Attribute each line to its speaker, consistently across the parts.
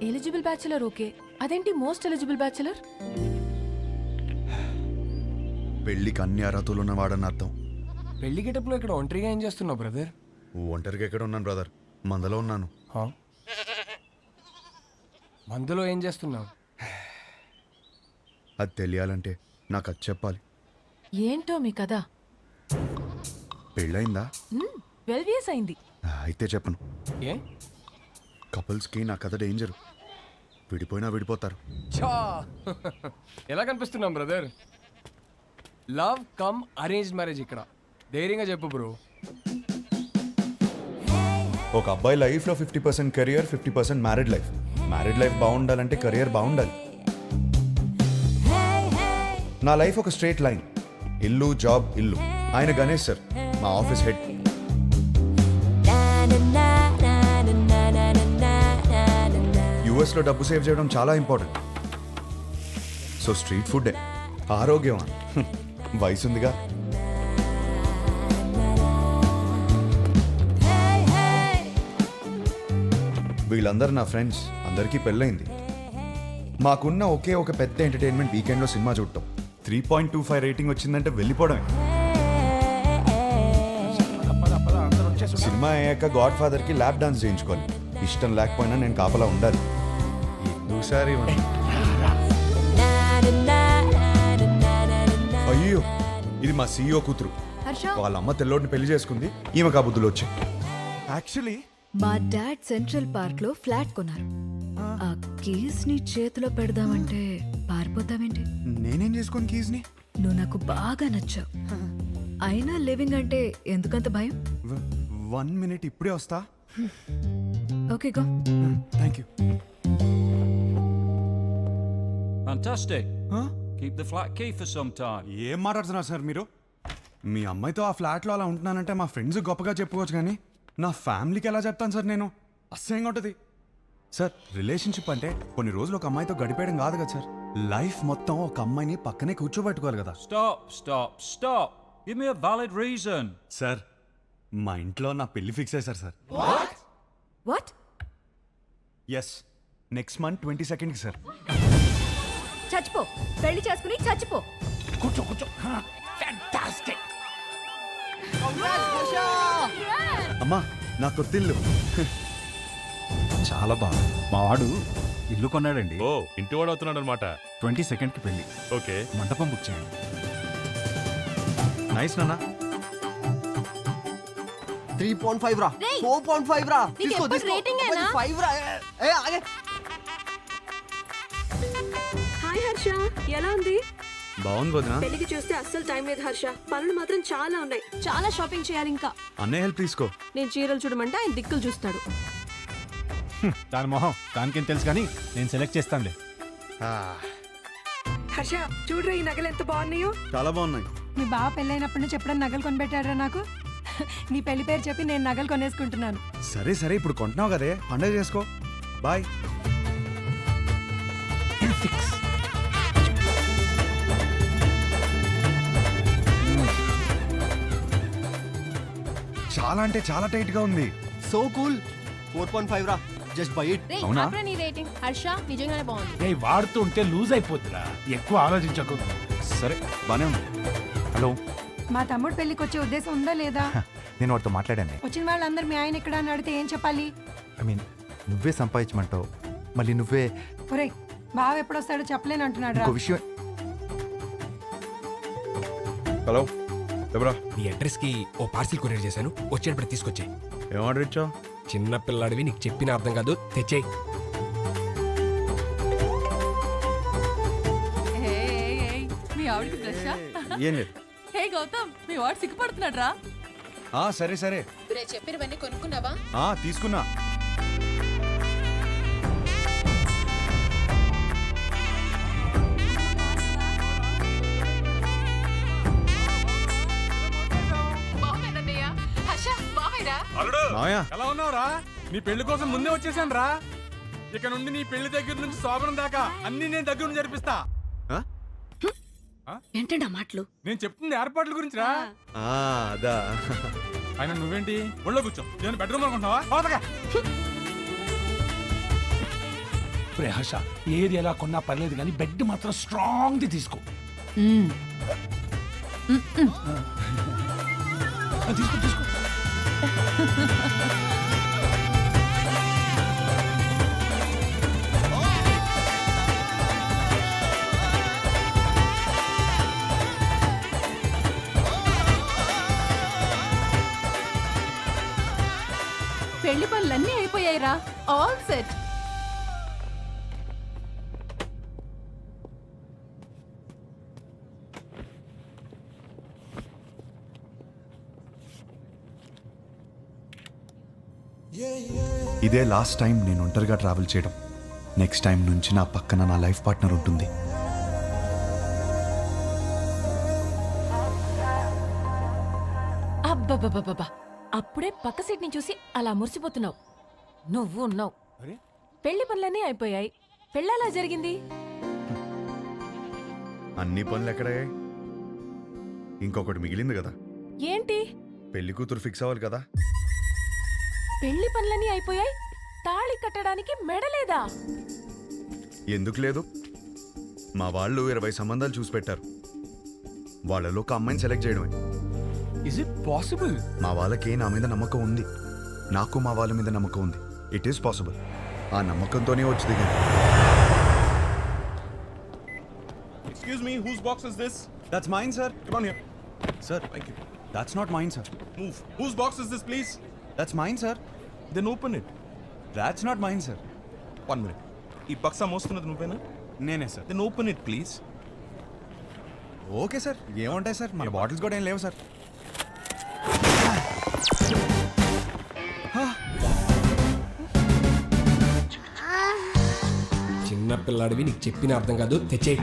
Speaker 1: Eligible bachelor okay, అదేంటి most eligible bachelor?
Speaker 2: పెళ్లికి అన్ని అర్హతలు ఉన్నవాడని అర్థం.
Speaker 3: పెళ్లి గెటప్లో ఇక్కడ ఒంటరిగా ఏం చేస్తున్నావు బ్రదర్?
Speaker 2: ఒంటరిగా ఎక్కడ ఉన్నాను బ్రదర్, మందలో ఉన్నాను.
Speaker 3: మందులో ఏం చేస్తున్నావు?
Speaker 2: అది తెలియాలంటే నాకు అది చెప్పాలి.
Speaker 1: ఏంటో మీ కదా?
Speaker 2: పెళ్ళయిందా?
Speaker 1: 12 years అయింది.
Speaker 2: అయితే చెప్పను.
Speaker 3: ఏ?
Speaker 2: కపుల్స్కి నా కథ డేంజర్. విడిపోయినా విడిపోతారు.
Speaker 3: చా ఎలా కనిపిస్తున్నాం brother? Love come arrange marriage ఇక్కడ. ధైర్యంగా చెప్పు బ్రో.
Speaker 2: ఒక అబ్బాయి లైఫ్లో 50% career, 50% married life. Married life బాగుండాలంటే కెరియర్ బాగుండాలి. నా లైఫ్ ఒక స్ట్రేట్ లైన్. ఇల్లు, జాబ్, ఇల్లు. ఆయన గణేష్ సార్, మా ఆఫీస్ హెడ్. యుఎస్లో డబ్బు సేవ్ చేయడం చాలా ఇంపార్టెంట్. సో స్ట్రీట్ ఫుడ్డే ఆరోగ్యం. వయసుందిగా. వీళ్ళందరూ నా ఫ్రెండ్స్, అందరికీ పెళ్ళైంది. మాకున్న ఒకే ఒక పెద్ద ఎంటర్టైన్మెంట్ వీకెండ్లో సినిమా చూడటం. 3.25 రేటింగ్ వచ్చిందంటే వెళ్ళిపోవడమే. సినిమా అయ్యాక గాడ్ ఫాదర్కి ల్యాప్ డాన్స్ చేయించుకోవాలి. ఇష్టం లేకపోయినా నేను కాపలా ఉండాలి. ఎందుసారి అయ్యో, ఇది మా సీఈఓ కూతురు. వాళ్ళ అమ్మ తెల్లోడిని పెళ్లి చేసుకుంది. ఈమె కాబుద్దులు వచ్చాయి.
Speaker 4: యాక్చువల్లీ
Speaker 5: మా డాడ్ సెంట్రల్ పార్క్ లో ఫ్లాట్ కొన్నారు. ఆ కీస్ ని చేతిలో పెడదామంటే పారిపోతావేంటి?
Speaker 4: నేనేం చేసుకోను కీస్ ని.
Speaker 5: నువ్వు నాకు బాగా నచ్చావు. అయినా లివింగ్ అంటే ఎందుకంత భయం?
Speaker 4: 1 minute ఇప్పుడే వస్తా.
Speaker 5: Okay go.
Speaker 4: Thank you.
Speaker 6: Fantastic. Keep the flat key for some time.
Speaker 4: ఏం మాట్లాడుతున్నారు సార్ మీరు? మీ అమ్మాయితో ఆ ఫ్లాట్లో అలా ఉంటున్నానంటే మా ఫ్రెండ్స్ గొప్పగా చెప్పుకోవచ్చు, కానీ నా ఫ్యామిలీకి ఎలా చెప్తాను సార్ నేను? అసహ్యంగా ఉంటుంది సార్. రిలేషన్షిప్ అంటే కొన్ని రోజులు ఒక అమ్మాయితో గడిపేయడం కాదు కదా సార్. లైఫ్ మొత్తం ఒక అమ్మాయిని పక్కనే కూర్చోబెట్టుకోవాలి కదా.
Speaker 6: Stop. Give me a valid reason.
Speaker 4: Sir, మా ఇంట్లో నా పెళ్లి ఫిక్స్ అయ్యారు sir.
Speaker 5: What?
Speaker 4: Yes, next month 22nd sir.
Speaker 5: చచ్చిపో, పెళ్లి చేసుకుని చచ్చిపో.
Speaker 4: కూర్చో. అమ్మా, నా కొత్తిల్లు.
Speaker 7: చాలా బాగా. మా వాడు ఇల్లు కొన్నాడండి.
Speaker 8: ఓ, ఇంటివాడు అవుతున్నాడు అనమాట.
Speaker 7: 22nd కి పెళ్లి.
Speaker 8: ఓకే,
Speaker 7: మండపం బుక్ చేయండి.
Speaker 4: నైస్ నాన్న.
Speaker 9: 3.5 రా, 4.5 రా. తీసుకో 5 రా. ఆగే.
Speaker 10: హాయ్ హర్ష, ఎలా ఉంది?
Speaker 4: బాగుంది వదినా.
Speaker 10: పెళ్లికి చూస్తే అస్సలు టైం లేదు హర్ష. పనులు మాత్రం చాలా ఉన్నాయి. చాలా షాపింగ్ చేయాలి ఇంకా.
Speaker 4: అన్నయ్య హెల్ప్ తీసుకో.
Speaker 10: నేను చీరలు చూడమంటే ఆయన దిక్కులు చూస్తాడు.
Speaker 7: దాని మొహం దానికేం తెలుసు, కానీ నేను సెలెక్ట్ చేస్తానులే.
Speaker 10: హర్ష చూడరా, ఈ నగలు ఎంత బాగున్నాయో.
Speaker 4: చాలా బాగున్నాయి.
Speaker 10: మీ బావ పెళ్ళైనప్పటి నుంచి ఎప్పుడైనా నగలు కొనిపెట్టాడరా నాకు? నీ పెళ్లి పేరు చెప్పి నేను నగలు కొనేసుకుంటున్నాను.
Speaker 4: సరే ఇప్పుడు కొంటున్నావు కదే, పండగ చేసుకో. బాయ్. చాలా అంటే చాలా టైట్ గా ఉంది.
Speaker 9: So cool. 4.5 రా, జస్ట్ బై ఇట్.
Speaker 4: అవునా?
Speaker 1: నీ రేటింగ్ హర్ష నిజంగానే బాగుంది.
Speaker 7: వాడుతూ ఉంటే లూజ్ అయిపోతుందా, ఎక్కువ ఆలోచించకు.
Speaker 4: సరే, బానే ఉంది.
Speaker 7: హలో,
Speaker 10: మా తమ్ముడు పెళ్లికి వచ్చే ఉద్దేశం ఉందా లేదా?
Speaker 7: నేను వాడితో మాట్లాడాను.
Speaker 10: వచ్చిన వాళ్ళందరూ మీ ఆయన ఎక్కడ అని అడిగితే ఏం చెప్పాలి?
Speaker 7: ఐ మీన్, నువ్వే సంపాదించమంటావు, మళ్ళీ నువ్వే.
Speaker 10: ఒరేయ్, బావ ఎప్పుడు వస్తాడో చెప్పలేను అంటున్నాడు రా.
Speaker 7: ఇంకో విషయం.
Speaker 2: హలో, ఎవరా?
Speaker 3: నీ అడ్రస్ కి ఓ పార్సిల్ కొరియర్ చేశాను, వచ్చేటప్పుడు తీసుకొచ్చాయి.
Speaker 2: ఏం ఆర్డర్ ఇచ్చావు?
Speaker 3: చిన్న పిల్లాడివి, నీకు చెప్పిన అర్థం కాదు, తెచ్చేయి.
Speaker 1: మీ ఆవిడకి బ్రషా?
Speaker 2: ఏం లేదు.
Speaker 1: హే గౌతమ్, మీ వాడు సిగ్గుపడుతున్నాడు రా.
Speaker 4: సరే
Speaker 1: చెప్పినవన్నీ కొనుక్కున్నావా?
Speaker 4: తీసుకున్నా.
Speaker 8: ఎలా ఉన్నావురా? నీ పెళ్లి కోసం ముందే వచ్చేసాను రా. ఇక నుండి నీ పెళ్లి దగ్గర నుంచి శోభనం దాకా అన్ని నేను దగ్గర నుంచి జరిపిస్తా.
Speaker 10: ఏంటండి ఆ మాటలు?
Speaker 8: నేను చెప్తుంది ఏర్పాట్ల గురించి రా.
Speaker 4: అదా.
Speaker 8: ఆయన నువ్వేంటి ఒళ్ళో కూర్చో, నేను బెడ్రూమ్ అనుకుంటున్నావా? రే హర్ష ఏది ఎలా కొన్నా పర్లేదు కానీ బెడ్ మాత్రం స్ట్రాంగ్ ది తీసుకో. తీసుకో తీసుకో.
Speaker 1: పెళ్లి పనులన్నీ అయిపోయాయిరా, ఆల్ సెట్.
Speaker 2: ఇదే లాస్ట్ టైం నేను ఒంటరిగా ట్రావెల్ చేయడం. నెక్స్ట్ టైం నుంచి నా పక్కన నా లైఫ్ పార్ట్నర్ ఉంటుంది.
Speaker 1: అబ్బబ్బబ్బబ్బా, అప్పుడే పక్క సీట్ ని చూసి అలా మురిసిపోతున్నావు. నువ్వు ఉన్నావు. పెళ్లి పనులన్నీ అయిపోయాయి, పెళ్ళలా జరిగింది.
Speaker 2: అన్ని పనులు ఎక్కడయ్యాయి? ఇంకొకటి మిగిలింది కదా,
Speaker 1: ఏంటి?
Speaker 2: పెళ్లి కూతురు ఫిక్స్ అవ్వాలి కదా.
Speaker 1: పెళ్లి పనులన్నీ అయిపోయాయి, తాళి కట్టడానికి మెడలేదా?
Speaker 2: ఎందుకు లేదు? మా వాళ్ళు 20 సంబంధాలు చూసి పెట్టారు. వాళ్ళలో ఒక అమ్మాయిని సెలెక్ట్ చేయడమే.
Speaker 3: Is it possible?
Speaker 2: మా వాళ్ళకి నా మీద నమ్మకం ఉంది, నాకు మా వాళ్ళ మీద నమ్మకం ఉంది. It is possible. ఆ నమ్మకంతోనే వచ్చి దిగాను.
Speaker 7: Excuse me, whose box is this?
Speaker 4: That's mine sir.
Speaker 7: Come on here.
Speaker 4: Sir that's not mine sir.
Speaker 7: Move. Whose box is this, please?
Speaker 4: That's mine sir.
Speaker 7: Then open it.
Speaker 4: That's not mine sir.
Speaker 7: 1 minute. ఈ బక్సా మోస్తున్నది నువ్వేనా?
Speaker 4: నేనే sir.
Speaker 7: Then open it, please.
Speaker 4: Okay sir, ఏముంటాయి sir, మన bottles కూడా ఏం లేవు సార్.
Speaker 3: చిన్న పిల్లాడివి, నీకు చెప్పిన అర్థం కాదు, తెచ్చేయి.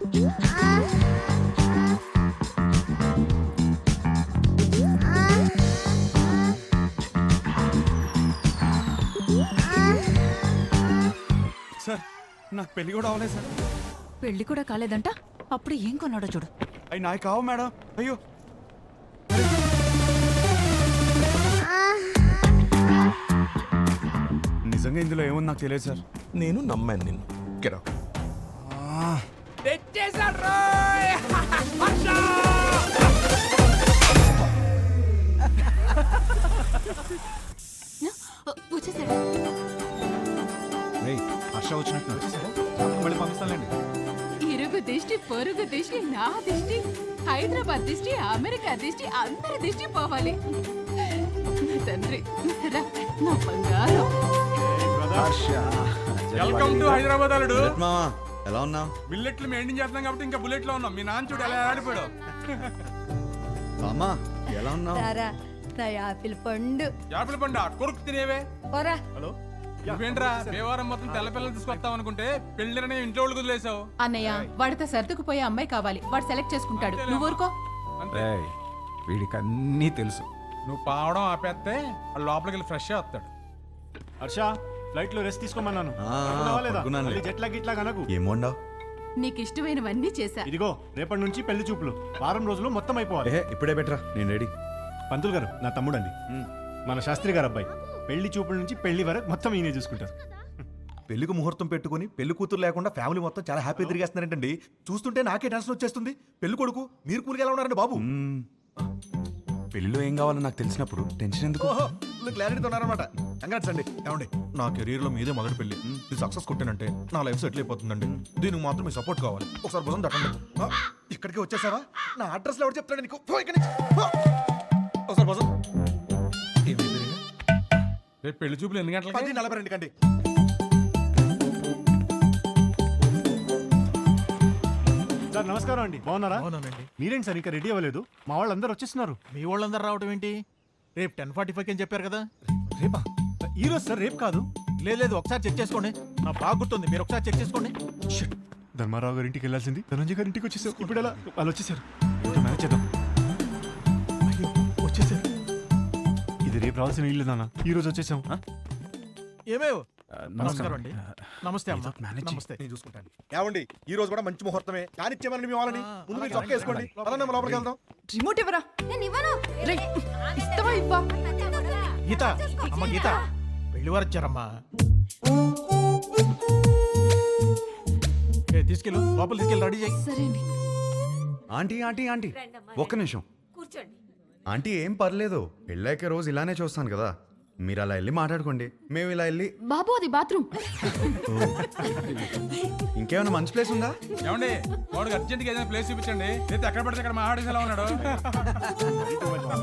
Speaker 4: సార్ నాకు పెళ్లి కూడా అవ్వలేదు సార్.
Speaker 5: పెళ్లి కూడా కాలేదంట, అప్పుడు ఏం కొన్నాడో చూడు.
Speaker 4: అవి నాకు కావు మేడం. అయ్యో నిజంగా ఇందులో ఏముంది నాకు తెలియదు సార్.
Speaker 7: నేను నమ్మాను నిన్ను. Get out.
Speaker 4: హర్ష వచ్చినట్టు మళ్ళీ పంపిస్తానండి.
Speaker 1: ఇరుగు దిష్టి, పొరుగు దిష్టి, నా దిష్టి, హైదరాబాద్ దిష్టి, అమెరికా దిష్టి, అందరి దిష్టి పోవాలి. నా తండ్రి, రా, నా బంగారం.
Speaker 8: వెల్కమ్ టు హైదరాబాద్ అల్లుడు.
Speaker 2: మామా ఎలా ఉన్నావు?
Speaker 8: బిల్లెట్లు మెయింటైన్ చేస్తున్నాం కాబట్టి ఇంకా బుల్లెట్ లో ఉన్నాం. మీ నాన్న చూడు ఎలా ఆడిపోయాడు.
Speaker 2: మామా ఎలా ఉన్నావు?
Speaker 10: నా యాపిల్ పండు
Speaker 8: యాపిల్ పండు కొరుకు తినేవే.
Speaker 10: పోరా.
Speaker 8: హలో, నువ్వేంట్రా దేవారం మొత్తం తెల్ల పిల్లలు తీసుకొస్తావు అనుకుంటే పెళ్లిరనే ఇంట్లో వాళ్ళకి వదిలేసావు.
Speaker 1: అన్నయ్య, వాడితో సర్దుకుపోయే అమ్మాయి కావాలి, వాడు సెలెక్ట్ చేసుకుంటాడు. నువ్వు ఊరుకో.
Speaker 3: వీడికి అన్నీ తెలుసు.
Speaker 8: నువ్వు పావడం ఆపేస్తే వాడు లోపలికి వెళ్ళి ఫ్రెష్ వస్తాడు.
Speaker 7: హర్ష ఫ్లైట్ లో రెస్ట్ తీసుకోమన్నాను.
Speaker 2: ఆ,
Speaker 7: పడుకున్నావా లేదా?
Speaker 2: పడుకున్నానులే.
Speaker 7: మళ్ళీ జెట్ లాగ్ ఇట్లా కనకు.
Speaker 2: ఏం వండావు?
Speaker 1: నీకు ఇష్టమైనవన్నీ చేశా.
Speaker 7: ఇదిగో రేపటి నుంచి పెళ్లి చూపులు, వారం రోజులు మొత్తం అయిపోవాలి.
Speaker 2: ఏహే ఇప్పుడే బెటరా, నేను రెడీ.
Speaker 7: పంతులు గారు నా తమ్ముడండి, మన శాస్త్రి గారు అబ్బాయి. పెళ్లి చూపుల నుంచి పెళ్లి వరకు మొత్తం ఈయనే చూసుకుంటారు.
Speaker 11: పెళ్లికి ముహూర్తం పెట్టుకుని పెళ్లి కూతురు లేకుండా ఫ్యామిలీ మొత్తం చాలా హ్యాపీ తిరిగేస్తున్నారంటండి. చూస్తుంటే నాకే టెన్షన్ వచ్చేస్తుంది. పెళ్లి కొడుకు మీరు కూలికి ఎలా ఉన్నారండి బాబు?
Speaker 4: పెళ్లిలో ఏం కావాలో నాకు తెలిసినప్పుడు టెన్షన్ ఎందుకు?
Speaker 11: క్లారిటీతో ఉన్నారనమాట. కంగ్రాట్స్ అండి. ఏమండి, నా కెరీర్ లో మీదే మొదటి పెళ్లి. ఇది సక్సెస్ కొట్టానంటే నా లైఫ్ సెటిల్ అయిపోతుందండి. దీనికి మాత్రం మీ సపోర్ట్ కావాలి. ఒకసారి భుజం తట్టండి. ఇక్కడికి వచ్చేసావా? నా అడ్రస్ లో ఎవరు చెప్తాడు నీకు? పో ఇక్కడి నుంచి. పో. ఒకసారి భుజం.
Speaker 8: రేపు పెళ్లి చూపులు ఎన్ని గంటలకి?
Speaker 11: 10:42 కండి.
Speaker 7: సార్ నమస్కారం అండి, బాగున్నారా?
Speaker 11: అవునండి.
Speaker 7: మీరేంటి సార్ ఇంకా రెడీ అవ్వలేదు? మా వాళ్ళందరూ వచ్చేస్తున్నారు.
Speaker 11: మీ వాళ్ళందరూ రావడం ఏంటి? రేపు 10:45 అని చెప్పారు కదా.
Speaker 7: రేపా? ఈ రోజు సార్, రేపు కాదు.
Speaker 11: లేదు ఒకసారి చెక్ చేసుకోండి. నా బాగా గుర్తుంది, మీరు ఒకసారి చెక్ చేసుకోండి.
Speaker 7: ధర్మారావు గారి ఇంటికి వెళ్ళాల్సింది ధనంజయ్ గారి ఇంటికి వచ్చేసారు. ఇప్పుడు ఎలా? వాళ్ళు వచ్చేసారు. ఏంటో మేనేజ్ చేద్దాం.
Speaker 11: అయ్యో వచ్చేసారు.
Speaker 7: ఇది రేపు రావాల్సిన ఇల్లు నాన్న, ఈ రోజు వచ్చేసాం.
Speaker 11: ఏమేవ్ నమస్కారం అండి. నమస్తే అమ్మా.
Speaker 7: మేనేజ్
Speaker 11: నమస్తే, నేను చూసుకుంటాను. ఏమండి, ఈ రోజు కూడా మంచి ముహూర్తమే. కానిచ్చేమని మీ వాళ్ళని ముందు మీరు చొక్కా వేసుకోండి. అలా మనం లోపలికి వెళ్దాం.
Speaker 5: రిమోట్ ఇవ్వరా.
Speaker 1: రేయ్, ఇస్తావా ఇవ్వా?
Speaker 11: గీత, అమ్మ గీత, పెళ్లి వారు వచ్చారమ్మా.
Speaker 8: తీసుకెళ్ళు లోపల తీసుకెళ్ళి రెడీ చేయి.
Speaker 5: సరే అండి.
Speaker 2: ఆంటీ ఆంటీ ఆంటీ ఒక్క నిమిషం ఆంటీ ఏం పర్లేదు పెళ్ళాక రోజు ఇలానే చూస్తాను కదా మీరు అలా వెళ్ళి మాట్లాడుకోండి మేము ఇలా వెళ్ళి
Speaker 5: బాబు అది బాత్రూమ్.
Speaker 2: ఇంకేమైనా మంచి ప్లేస్ ఉందా
Speaker 8: ఏమండి వాడికి అర్జెంట్గా ఏదైనా ప్లేస్ చూపించండి లేదా ఎక్కడ పడితే అక్కడ మాట్లాడేసి ఎలా ఉన్నాడు.